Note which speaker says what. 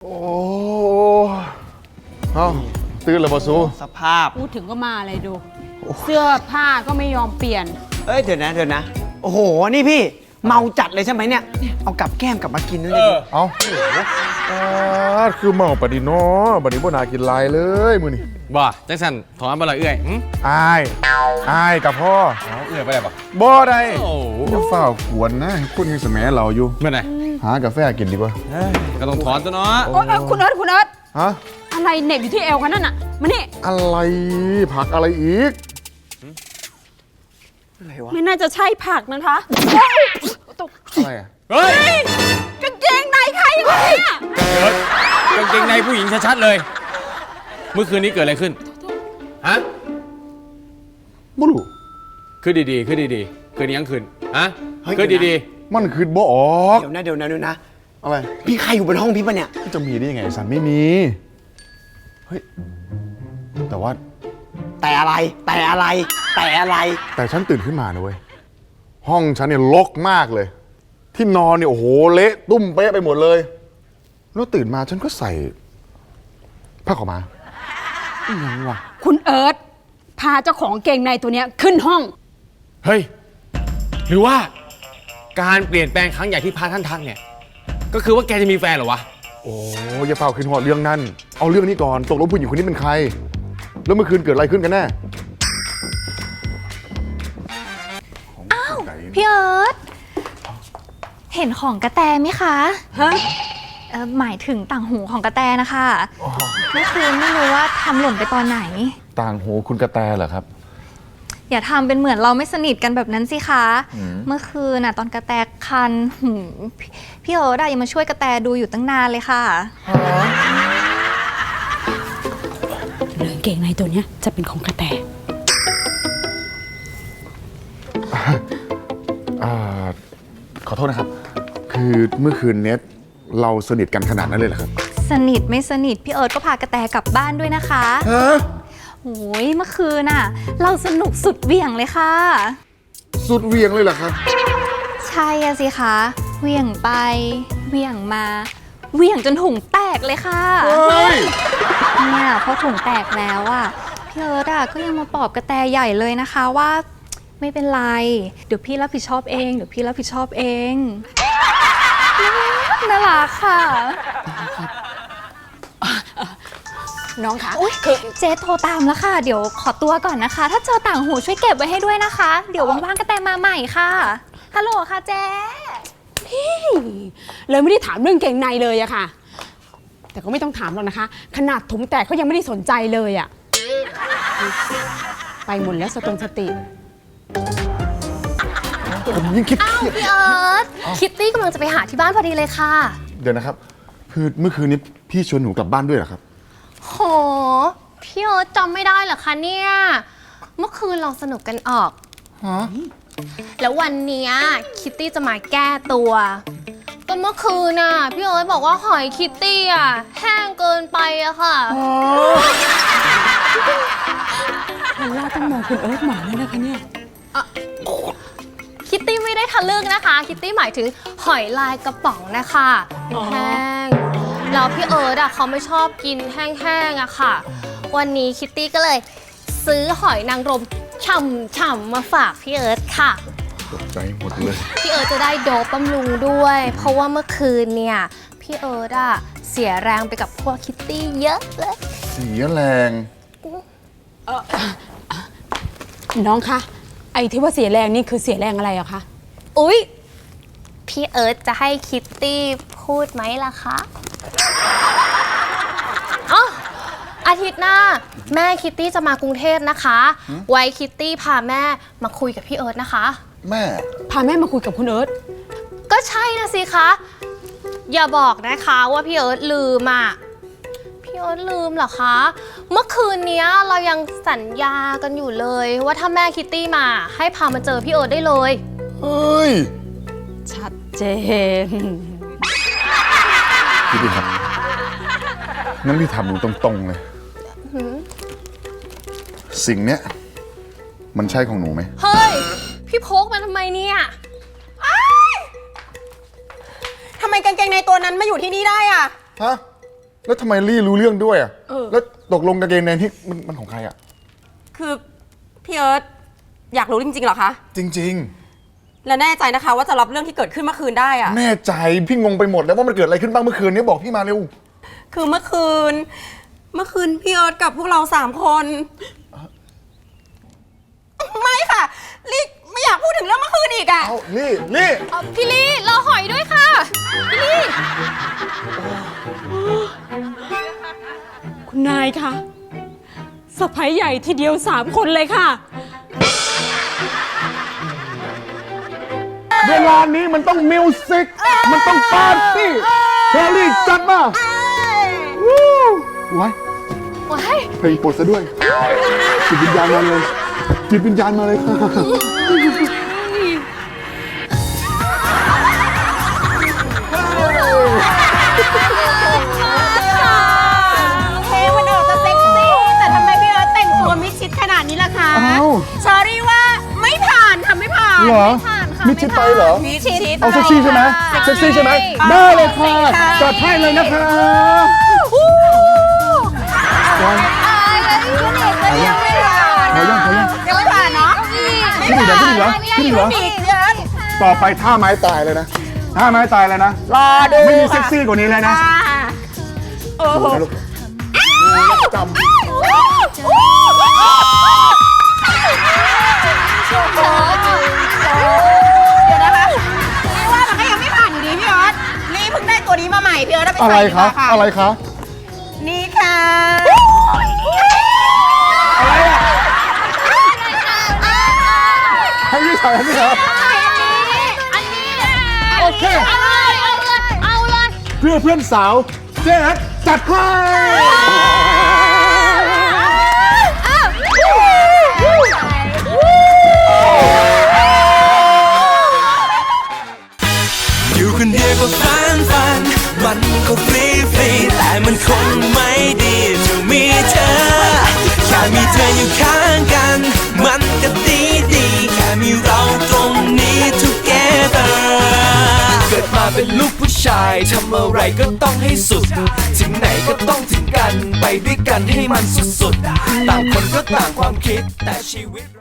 Speaker 1: โอ้เอ้าตื่นแล้วบ่ซู
Speaker 2: สภาพ
Speaker 3: พูดถึงก็มาเลยดู เสื้อผ้าก็ไม่ยอมเปลี่ยน
Speaker 2: เอ้ยเดี๋ยวนะโอ้โหนี่พี่เมาจัดเลยใช่ไหมเนี่ยเอากับแก้มกลับมากินด้วยเลย
Speaker 1: เอ้าคือเมาปะดิเนาะบัดนี้บ่น่ากินหลายเลยมื้อนี้
Speaker 4: บ่จังสันถอนบ่ละเอื้อยหึ
Speaker 1: อายกับพ่อ
Speaker 4: เอาเอื้อยไปได้บ่
Speaker 1: บ่ได้
Speaker 4: โอ้โห
Speaker 1: อย่าฝ้าวกวนนะคุณยังสมัยเราอยู่
Speaker 4: เมื่อไหร่
Speaker 1: หากาแฟกินดีกว่า
Speaker 4: ก็ต้องถอนตัวเนาะ
Speaker 3: โอ๊ยคุณเอิร์ธ
Speaker 1: ฮะ
Speaker 3: อะไรเหน็บอยู่ที่เอวคะนั่นน่ะมานี่
Speaker 1: อะไรผักอะไรอีก
Speaker 2: อะไรวะ
Speaker 3: ไม่น่าจะใช่ผักนะคะตก
Speaker 1: อะไรอ่ะ
Speaker 4: เฮ้ย
Speaker 3: กางเกงในใครคนเนี่ย
Speaker 4: กางเกงในผู้หญิงชัดๆเลย เมื่อคืนนี้เกิดอะไรขึ้นฮะ
Speaker 1: บ่รู้
Speaker 4: คือดีๆคืนนี้ยังคืนฮะคือดี
Speaker 1: มันคือบ่ออก
Speaker 2: เดี๋ยวนะ
Speaker 1: อะไร
Speaker 2: พี่ใครอยู่บนห้องพี่ปะเนี่ย
Speaker 1: จะมีได้ยังไงสันไม่มีเฮ้ยแต่ว่า
Speaker 2: แต่อะไร
Speaker 1: แต่ฉันตื่นขึ้นมานะเว้ยห้องฉันเนี่ยรกมากเลย ที่นอนเนี่ยโอ้โหเละตุ้มเป๊ะไปหมดเลยแล้วตื่นมาฉันก็ใส่ผ้าขาวม้าอีหยังวะ
Speaker 3: คุณเอิร์ธพาเจ้าของเกงในตัวเนี้ยขึ้นห้อง
Speaker 4: ๆเฮ้ยหรือว่าการเปลี่ยนแปลงครั้งใหญ่ที่พระท่านทักเนี่ยก็คือว่าแกจะมีแฟนเหรอวะ
Speaker 1: โอ้อย่าเป่าขึ้นหอดเรื่องนั้นเอาเรื่องนี้ก่อนตกลงผู้หญิงคนนี้เป็นใคร แล้วเมื่อคืนเกิดอะไรขึ้นกันแน่อ้าว
Speaker 5: พี่เอิร์ธเห็นของกระแตไหมคะ
Speaker 3: ฮะ
Speaker 5: หมายถึงต่างหูของกระแตนะคะเมื่อคืนไม่รู้ว่าทำหล่นไปตอนไหน
Speaker 1: ต่างหูคุณกระแตเหรอครับ
Speaker 5: อย่าทำเป็นเหมือนเราไม่สนิทกันแบบนั้นสิคะ เมื่อคืนน่ะตอนกระแตคันพี่เอิร์ธยังมาช่วยกระแตดูอยู่ตั้งนานเลยค่ะ
Speaker 3: เรื่องเกงในตัวเนี้ยจะเป็นของกระแต
Speaker 1: ขอโทษนะครับ คือเมื่อคืนเนี้ยเราสนิทกันขนาดนั้นเลยเหรอครับ
Speaker 5: สนิทไม่สนิทพี่เอิร์ธก็พากระแตกลับบ้านด้วยนะคะ
Speaker 1: ฮะ
Speaker 5: โอ้ยเมื่อคืนน่ะเราสนุกสุดเหวี่ยงเลยค่ะ
Speaker 1: สุดเวียงเลยเหรอครับ
Speaker 5: ใช่อะสิคะเหวี่ยงไปเหวี่ยงมาเหวี่ยงจนถุงแตกเลยค่ะ
Speaker 1: เฮ้ย
Speaker 5: เนี่ยพอถุงแตกแล้วอะพี่เอิร์ธอะก็ยังมาปลอบกระแตใหญ่เลยนะคะว่าไม่เป็นไรเดี๋ยวพี่รับผิดชอบเองน่ารักค่ะ
Speaker 3: น้องคะ
Speaker 5: อุ๊ยเจ๊โทรตามแล้วค่ะเดี๋ยวขอตัวก่อนนะคะ ถ้าเจอต่างหูช่วยเก็บไว้ให้ด้วยนะคะ เดี๋ยวว่างๆกระแตมาใหม่ค่ะฮัลโหลค่ะเจ๊
Speaker 3: เลยไม่ได้ถามเรื่องเกงในเลยอะค่ะ แต่ก็ไม่ต้องถามหรอกนะคะ ขนาดถุงแตกเขายังไม่ได้สนใจเลยอะไปหมดแล้วสติ
Speaker 1: ผมยิ่งคิดเครียด
Speaker 6: พี่เอิร์ธคิตตี้กำลังจะไปหาที่บ้านพอดีเลยค่ะ
Speaker 1: เดี๋ยวนะครับ คือเมื่อคืนนี้พี่ชวนหนูกลับบ้านด้วยเหรอครับ
Speaker 6: โห พี่เอิร์ธจำไม่ได้เหรอคะเนี่ย เมื่อคืนเราสนุกกันออก แล้ววันเนี้ยคิตตี้จะมาแก้ตัวก็เมื่อคืนน่ะพี่เอิร์ธบอกว่าหอยคิตตี้อ่ะแห้งเกินไปอะค่ะ
Speaker 3: พอลล่าต้องมองคุณเอิร์ธหมอเลยนะคะเนี่ย
Speaker 6: คิตตี้ไม่ได้ทะลึ่งนะคะ คิตตี้หมายถึงหอยลายกระป๋องนะคะแห้งแล้วพี่เอิร์ธอะเขาไม่ชอบกินแห้งๆอะค่ะ วันนี้คิตตี้ก็เลยซื้อหอยนางรมฉ่ำๆมาฝากพี่เอิร์ธค่ะ
Speaker 1: ตกใจหมดเลย
Speaker 6: พี่เอิร์ธจะได้โดปบำรุงด้วย เพราะว่าเมื่อคืนเนี่ยพี่เอิร์ธอะเสียแรงไปกับพวกคิตตี้เยอะเลย
Speaker 1: เสียแรง
Speaker 3: น้องคะไอ้ที่ว่าเสียแรงนี่คือเสียแรงอะไรอะคะ
Speaker 6: อุ๊ยพี่เอิร์ธจะให้คิตตี้พูดไหมล่ะคะอ๋ออาทิตย์หน้าแม่คิตตี้จะมากรุงเทพนะคะ ไว้คิตตี้พาแม่มาคุยกับพี่เอิร์ธนะคะ
Speaker 1: แม่
Speaker 3: พาแม่มาคุยกับคุณเอิร์ธ
Speaker 6: ก็ใช่นะสิคะ อย่าบอกนะคะว่าพี่เอิร์ธลืมอ่ะ พี่เอิร์ธลืมเหรอคะ เมื่อคืนนี้เรายังสัญญากันอยู่เลย ว่าถ้าแม่คิตตี้มาให้พามาเจอพี่เอิร์ธได้เลย
Speaker 1: เฮ้ย
Speaker 3: ชัดเจน
Speaker 1: พี่ดิครับงั้นพี่ถามหนูตรงๆเลย สิ่งเนี้ยมันใช่ของหนูไหม
Speaker 6: เฮ้ย พี่พกมาทำไมเนี่ย
Speaker 7: ทำไมกางเกงในตัวนั้นมาอยู่ที่นี่ได้อะ
Speaker 1: ฮะแล้วทำไมลี่รู้เรื่องด้วยอ่ะแล้วตกลงกางเกงในที่มันของใครอ่ะ
Speaker 7: คือพี่เอิร์ธอยากรู้จริงๆเหรอคะ
Speaker 1: จริง
Speaker 7: และแน่ใจนะคะว่าจะรับเรื่องที่เกิดขึ้นเมื่อคืนได้อะ
Speaker 1: ๆ แน่ใจพี่งงไปหมดแล้วว่ามันเกิดอะไรขึ้นบ้างเมื่อคืนนี้บอกพี่มาเร็ว
Speaker 7: คือเมื่อคืนพี่เอิร์ธกับพวกเรา3 คน ไม่ค่ะลิไม่อยากพูดถึงเรื่องเมื่อคืนอีกอะ
Speaker 1: เอาลี่
Speaker 6: พี่ลี่รอหอยด้วยค่ะ พี่ลี่
Speaker 3: คุณนายค่ะสะพ้ายใหญ่ทีเดียว3 คนเลยค่ะ
Speaker 1: เวลานี้มันต้องมิวสิกมันต้องปาร์ตี้เชอรี่จัดมาวู้ไว้
Speaker 6: ว้าย
Speaker 1: เพลงโปรดซะด้วยจิตวิญญาณมาเลยจิตวิญญาณมาเลยค่ะ
Speaker 3: เพลงมันออกจะเซ็กซี่แต่ทำไมพี่เอิร์ธแต่งตัวมิดชิดขนาดนี้ล่ะคะ
Speaker 1: อ้าว
Speaker 3: ชอรี่ว่าไม่ผ่านค่ะไม่ผ่าน
Speaker 1: เหรอมิดชิดไปเหรอ
Speaker 3: มิดชิด
Speaker 1: เอาเซ็กซี่ใช่ไหมเซ็กซี่ใช่ไหมได้เลยค่ะจัดให้เลยนะคะขอยัง
Speaker 3: ยังไม่ผ่านเนาะ
Speaker 1: ขึ้นอีกเหรอขึ้นอีกเหรอ
Speaker 3: อีกเยอะ
Speaker 1: ต่อไปท่าไม้ตายเลยนะท่าไม้ตายเลยนะ
Speaker 3: รอดู
Speaker 1: ไม่มีเซ็กซี่กว่านี้เลยนะ
Speaker 3: โอ้โห
Speaker 1: ดูนะลูกดูแล้วจำ
Speaker 3: เดี๋ยวนะคะนี่ว่ามันก็ยังไม่ผ่านอยู่ดีพี่เอิร์ธนี่เพิ่งได้ตัวนี้มาใหม่พี่เอิร์ธเอาไป
Speaker 1: อะไร
Speaker 3: ใส่ดีก
Speaker 1: คะ
Speaker 3: ว่าค่ะ
Speaker 1: อะไรคะ
Speaker 3: นี่ค่ะ
Speaker 1: ให้พี่ใส่ให้พี่ครับ
Speaker 6: อันนี้
Speaker 1: โอเค
Speaker 6: เอาเลย
Speaker 1: เพื่อเพื่อนสาวเจ๊จัดให้
Speaker 8: อยู่คนเดียวก็ฝันมันก็ฟรีแต่มันคงไม่ดีจะมีเธอแค่มีเธออยู่ข้างกันมันก็ดีแค่มีเราตรงนี้ together เกิดมาเป็นลูกผู้ชายทำอะไรก็ต้องให้สุดถึงไหนก็ต้องถึงกันไปด้วยกันให้มันสุดๆต่างคนก็ต่างความคิดแต่ชีวิต